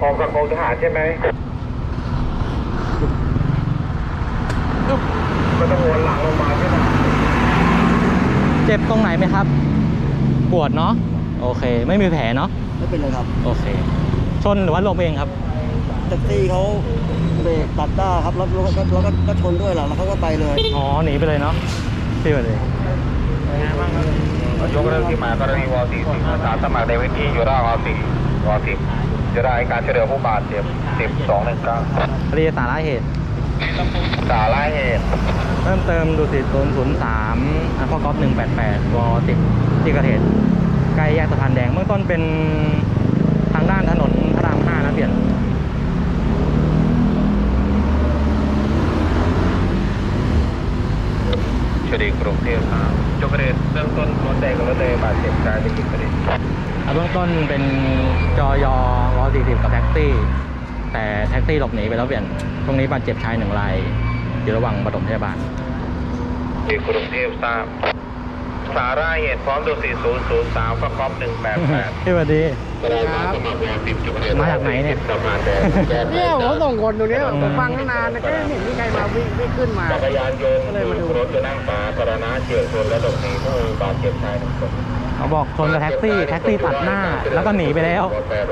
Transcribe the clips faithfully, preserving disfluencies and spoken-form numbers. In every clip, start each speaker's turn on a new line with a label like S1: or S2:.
S1: ของกับกองทหารใช่ไหมก็ต้องวนหลังลงมาใช่ไหม
S2: เจ็บตรงไหนไหมครับปวดเนาะโอเคไม่มีแผลเนาะ
S3: ไม่เป็นไรครับ
S2: โอเคชนหรือว่าลมเองครับ
S3: แท็กซี่เขาเบรกตัดหน้าครับแล้วแล้วก็แล้วก็ชนด้วยแหละแล้วเขาก็ไปเลย
S2: อ๋อหนีไปเลยเนาะที่ไปเลย
S1: ยกเรื่องที่มากรณีวอสี่สิบอาสาสมัครในพื้นที่อยู่ร่างวอสี่วอสิบจะได้การช่วยเหลือผู้บาดเจ็บสิบสองหนึ่งเก้า
S2: เรียกสาระเหตุ
S1: สาระเหตุ
S2: เพิ่มเติมดูสิศูนย์ศูนย์สามอัลฟาก๊อฟหนึ่งแปดแปดวอสิบที่เกิดเหตุใกล้แยกสะพานแดงเบื้องต้นเป็นทางด้านถนนพระรามห้านะเปลี่ยน
S1: ชดีกรุงเทพครับยกประเด็นเบื้องต้นรถแดงกับรถแดงบาดเจ็บกายเป็นกี่ประเด็น
S2: เบื้องต้นเป็นจอยอวอสี่สิบกับแท็กซี่แต่แท็กซี่หลบหนีไปแล้วเปลี่ยนตรงนี้บาดเจ็บชายหนึ่งรายอยู่ระหว่างปฐมพยาบาล
S1: ที่กรุงเทพทราบสาระเหตุพร้อมดูสี่ศูนย์ศูนย์สามฟะคอมหนึ่งแปดแปด
S2: สวัสดีมาจากไหนเนี่ย
S3: เนี่ยผมส่งคนตรงนี้ผมฟังนานก็ไม่เห็นมีใครมาวิ่งไม่ขึ้นมา
S1: จักรยานยนต์เลยมาดูรถจะนั่งฝาสาธารณะเฉี่ยวชนและหลบหนีผู้บาดเจ็บชายหนึ่งคน
S2: เขาบอกชนกับแท็กซี่แท็กซี่ตัดหน้าแล้วก็หนีไปแล้ว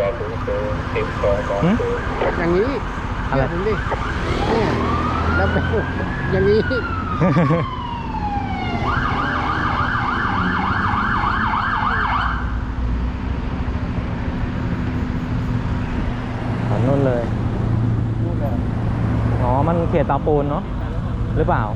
S3: อย่างนี้อะไรดิเนี่ยแล้วเป็นอย่างนี้
S2: นู่นเลยอ๋อมันเขตตาปูนเนาะหรือเปล่า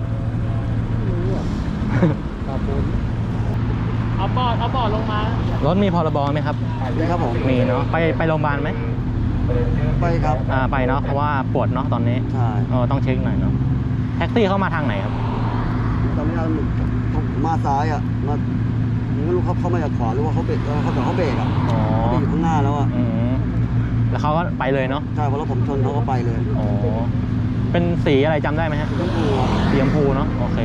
S3: ตาปูน
S2: เอาปอดเอาปอดลงมารถมีพรบไหมครับ
S3: มีครับผม
S2: มีเนาะไปไปโรงพยาบาลไหม
S3: ไปครับ
S2: อ่าไปเนาะเพราะว่าปวดเนาะตอนนี้
S3: ใช่
S2: เออต้องเช็คหน่อยเนาะแท็กซี่เข้ามาทางไหนครับ
S3: ตอนนี้เรามาซ้ายอ่ะมาไม่รู้เขาเขามาจากขวาหรือว่าเขาเบรกเขาแต่เขาเบรกอ่ะ
S2: อ๋อ
S3: เขาอยู่ข้างหน้าแล้วอ่ะ
S2: แล้วเขาก็ไปเลยเนาะ
S3: ใช่เพราะรถผมชนเขาก็ไปเลย
S2: อ๋อเป็นสีอะไรจำได้ไหมฮะ
S3: สีชมพู
S2: สีชมพูเนาะโอเค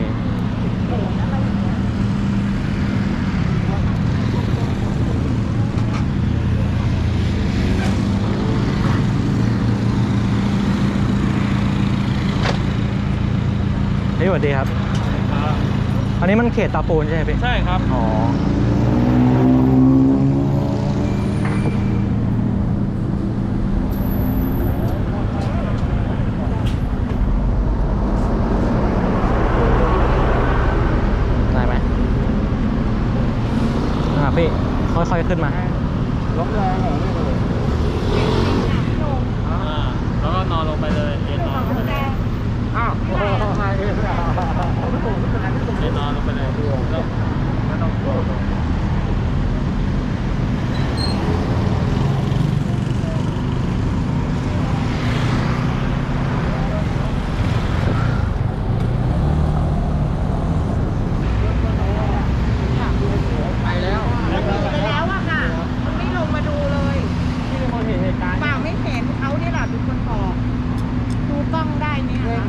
S2: พี่สวัสดีครับอันนี้มันเขตตาปูนใช่ไหมพี่
S4: ใช่ครับ
S2: อ๋อได้ไหมอ่าพี่ค่อยๆขึ้นมา
S3: ล้มแรงเหรอ
S4: อ่าแล้วก็นอนลงไปเลยเอ็นนอนลงไปเลย
S3: อ้าวเ
S4: อ็นนอนลงไปเลยแล้วไม่ต้องกลัว
S3: ไปแล้ว
S5: ไปแล้วอะค่ะมันไม่ลงมาดูเลยเปล่าไม่เห็นเขาเนี่ยแหละเป็นคนบอกดูกล้องได้ไหมคะ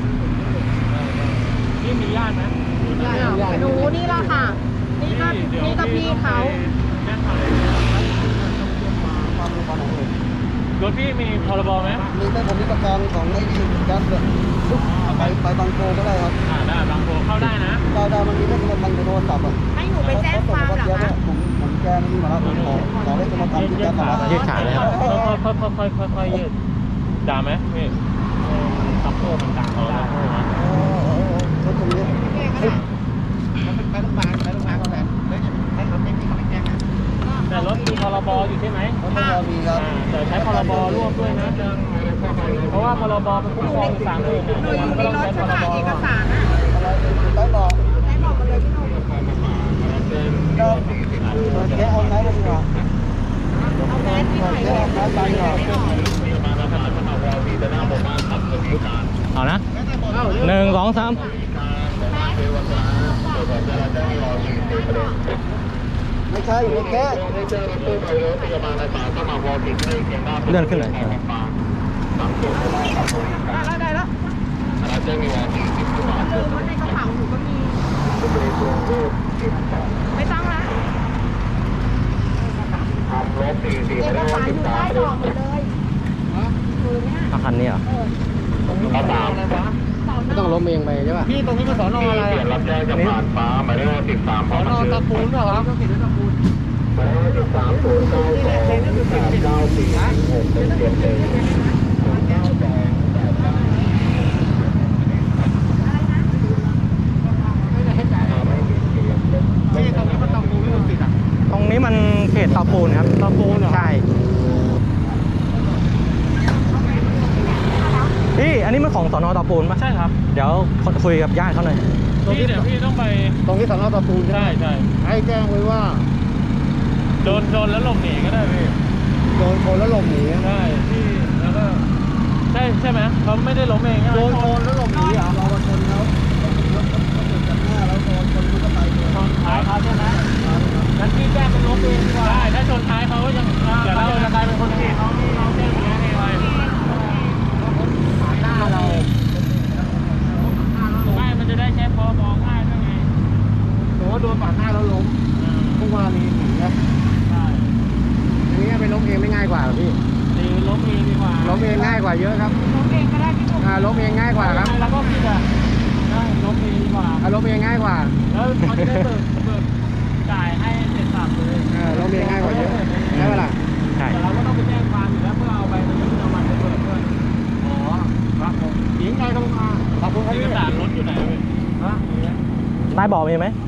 S4: นี่มีญาติไหม
S5: หนูนี่แหละค่ะนี่ก็นี่ก็พี่เขา
S4: รถพี่มีพรบไหม
S3: มีแต่ผมมีประกันของไอ้ดีแก๊สเลยไปไปบางโพก็ได้ครับ
S4: อ่าได้บางโพเข้าได้นะ
S3: ดาวดาวมันมีเลขบางโทรศัพท์อ่ะ
S5: ให้หนูไปแจ้งความเหรอคะ
S3: ผมผมแจ้งนี่มาแล้วผมขอขอเลขโทรศัพท์ที่แจ้งมาแล้ว
S2: ยืดขาเลยครับ
S4: ค่อยค่อยค่อยค่อยค่อยยืดด่าไหมพี่ตับโต้มันด่าเขาได้นะ
S3: รถตรงนี้
S5: ไปโรงพยาบาลไปโรงพยาบาลก่อนเลยให้เขาไม่มีเขาไม่แจ้งนะ
S4: แต่รถมีพรบอยู่ใช่ไหม
S3: รถพรบมีครับ
S4: แต่ใช้พรบร่วมด้วยนะเพราะว่าพรบเป็นคุ้มครองสามเลย
S5: หนูอยู่ในรถใช่ไหมเอกสารอะ
S3: ได้บอก
S5: ได้บอกมาเลยพี่หนุ่ม
S3: ก็แค่ออนไลน์ดีกว่า
S5: เอาแมสที่ไหนเลยไม่ออก
S2: เอานะหนึ่งสองสาม
S3: ไม่ใช่อยู่ในแก๊ส
S2: เลื่อนขึ้นเลย
S5: ได้แล้วได้แล้วลืมว่าในกระเป๋าหนูก็มีไม่ต้องละเอกสารอยู่ใต้เบาะหมดเลย
S2: อาคันนี้เหรอ
S1: ข้อสาม
S3: ไม่ต้องล้มเองไปใช่ป่ะพี่ตรงนี้มันสอนออะไร
S1: เปลี่ยนรับแจ้งจากผ่านฟ้าหมายเลขสิบสาม
S3: สอนอตะปูนเหรอครับ
S1: หมายเลขสิบสามศูนย์เก้าสองแปดเก้าสี่หกหนึ่งเจ็ดหนึ่ง
S3: พี่ตรงนี้มันตะปูนไม่ต้องติดอ่ะ
S2: ตรงนี้มันเขตเตาปูนครับเตาปูนใช่พี่อันนี้มันของสนเตาปูนปะ
S4: ใช่ครับ
S2: เดี๋ยวคุยกับญาติเขาหน่อย
S4: พี่เดี๋ยวพี่ต้องไป
S3: ตรงนี้สอนอตะปูน
S4: ใช่ใช่
S3: ให้แจ้งไว้ว่า
S4: โดนโดนแล้วหลบหนีก็ได้พี่
S3: โดนชนแล้วหลบหนี
S4: ใช่พี่แล้วก็ใช่ใช่ไหมเขาไม่ได้ล้มเองใช่ไหม
S3: โดนชนแล้วหลบหนีเหรอเราชนเขารถเขาติดจากหน้าแล้วโดนชนมันก็ไปเลย
S4: ชนท้ายเขาใช่ไหมงั้นพี่แจ้งเป็นล้มเองดีกว่าได้ถ้าชนท้ายเขาก็ยังเดี๋ยวเราจะกลายเป็นคนผิดเขาที่เราแจ้งอย่างนี้ไงไว้
S3: ผ่านหน้าเรา
S4: ไม่มันจะได้แค่พอมองง่ายด้วยไง
S3: ถือว่าโดนปาดหน้าแล้วล้มพวกวารีหนีนะ
S4: ใช่
S3: อย่างนี้ไปล้มเองไม่ง่ายกว่าเหรอพี่
S4: ดีล้มเองดีกว่า
S3: ล้มเองง่ายกว่าเยอะครับ
S5: ล้มเองก็ได้พี่หนุ่ม
S3: อ่าล้มเองง่ายกว่าครับ
S4: แล้วก็พี่จะได้ล้มเองดีกว่า
S3: อ่าล้มเองง่ายกว่า
S4: แล้วเขาจะได้เบิกเบิกจ่ายให้เสร็จสับเลย
S3: อ่าล้มเองง่ายกว่าเยอะใช่ไหมล่ะ
S2: ใช่
S4: แต่เราก็ต้องไปแจ้งความอยู่แล้วเพื่อเอาใบประชาชนมาไปเบิกด้วย
S3: อ๋อครับผมหญิงไงครับผมอ่าขอบคุณครับ
S4: เอก
S3: พี่
S4: สารรถอยู่ไหนเว้ย
S3: ฮะ
S2: ใต้เบาะมีไหม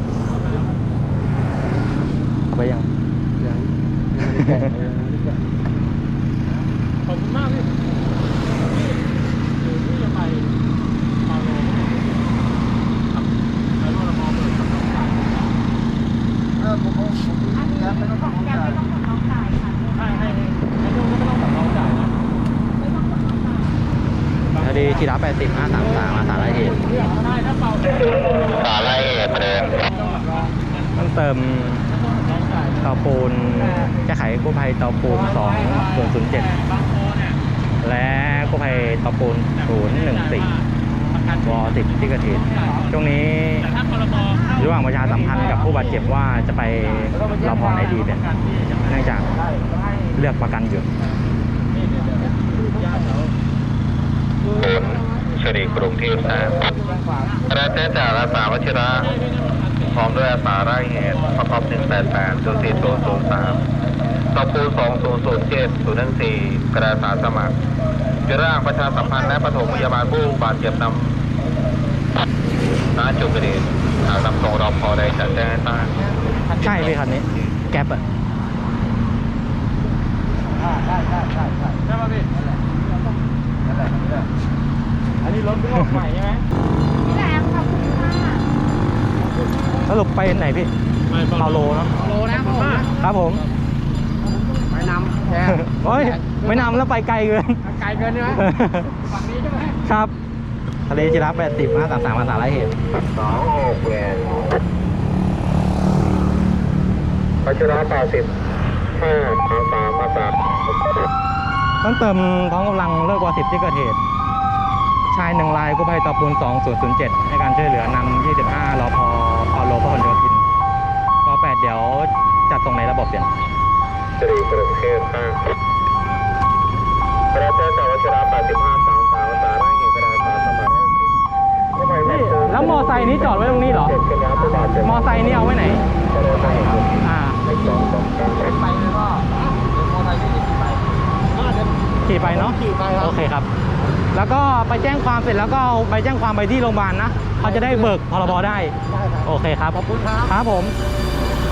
S2: เอาไปยัง
S3: ยังยังไม่ได้แกะยังไม่ได้แกะ
S4: ขอบคุณมากพี่พี่หรือพี่จะไปมาโลขับไปรถละมอเบิกขับน้องจ่าย
S3: เออผมผมผม
S5: อันนี้
S3: แกะไม่ต้อง
S5: ข
S3: ต้
S5: อ
S3: อง ง
S5: แก
S3: จ่าย
S5: ไม่ต้องของน้องจ่ายค่ะ
S4: ให้ให้ให้ลูกก็ไม่ต้องขับน้องจ่ายนะ
S5: ไม่ต้องของน้องจ่าย
S2: คดีชีระแปดสิบห้าสามสามมาสารเหตุ
S4: ได้ถ้าเป่า
S1: สารไล่เหตุประเด็น
S2: ต้องเติม
S4: น้องจ่าย
S2: เตาปูนแก้ไขกู้ภัยเตาปูนสองศูนย์ศูนย์เจ็ด
S4: บางโพเนี่ย
S2: และกู้ภัยเตาปูนศูนย์หนึ่งสี่วอสิบที่เกิดเหตุช่วงนี้
S4: แต่ถ้าพรบ
S2: ระหว่างประชาสัมพันธ์กับผู้บาดเจ็บว่าจะไปรอพอไหนดีเป็นเนื่องจากเลือกประกันอยู่
S1: ผลชรีกรุงเทพแสนได้แจ้งจากอาสาวชิระพร้อมด้วยอาสาไร่เหตุประกอบหนึ่งแปดแปดศูนย์สี่ศูนย์ศูนย์สามตปูสองศูนย์ศูนย์เจ็ดศูนย์หนึ่งสี่กระดาษสารสมัครจะร่างประชาสัมพันธ์และปฐมพยาบาลผู้บาดเจ็บนำณจุดเกิดเหตุหากนำส่งรอพอใดจะแจ้งให้ทราบ
S2: ใช่พี่คันนี้ แก๊ปอะ
S3: ได้ได้ได้ได้ได้
S4: ใช่ป่ะพี่
S3: นั่นแหละนั่นแหละ
S4: อันนี้รถเพิ่งออกใหม่ใช่ไหม
S5: พี่แหลมขอบคุณค่ะ
S2: สรุปไปไหนพี่เปาโลเนาะ
S3: โลนะผมนะครับ
S2: ผม
S3: ไปนำแก
S2: โอ้ยไม่นำแล้วไปไกลเกิน
S3: ไกลเกินใช่ไหมฝั่งนี้ใช่ไหม
S2: ครับทะเลจิระแปดสิบห้าสามสามมาสารเหตุ
S1: สองหกเวนพัชระแปดสิบห้าสามสามมาสาม
S2: ต้องเติมพร้อมกำลังเลิกวอสิบที่เกิดเหตุ ชายหนึ่งรายกู้ภัยตะปูนสองศูนย์ศูนย์เจ็ดให้การช่วยเหลือนำยี่สิบห้ารอพอพอโลพหลโยธินรอแปดเดี๋ยวจัดส่งในระบบเปลี่ยน
S1: สิริกรุงเทพห้าพระเจ้าจากวัชระแปดสิบห้าสามสามภาษาไร่เหตุกระดาษสารสมัครกู้ภัย
S2: นี่แล้วมอไซค์นี้จอดไว้ตรงนี้เหรอ
S1: เจ็ดกันยาผู้บาดเจ็บ
S2: มอไซค์นี่เอาไว้ไหน อ่า
S1: สองสองสอง
S3: ไปเลยก็เดี๋ยวมอเตอร์ไซค์ที่ขี่ไปก็เดี๋ยว
S2: ขี่ไปเนาะ
S3: ขี่ไปครับ
S2: โอเคครับ แล้วก็ไปแจ้งความเสร็จแล้วก็เอาไปแจ้งความไปที่โรงพยาบาลนะเขาจะได้เบิกพรบได้
S3: ได้ครับ
S2: โอเคครับ
S3: ขอบคุณครับ
S2: ครับผม
S3: ค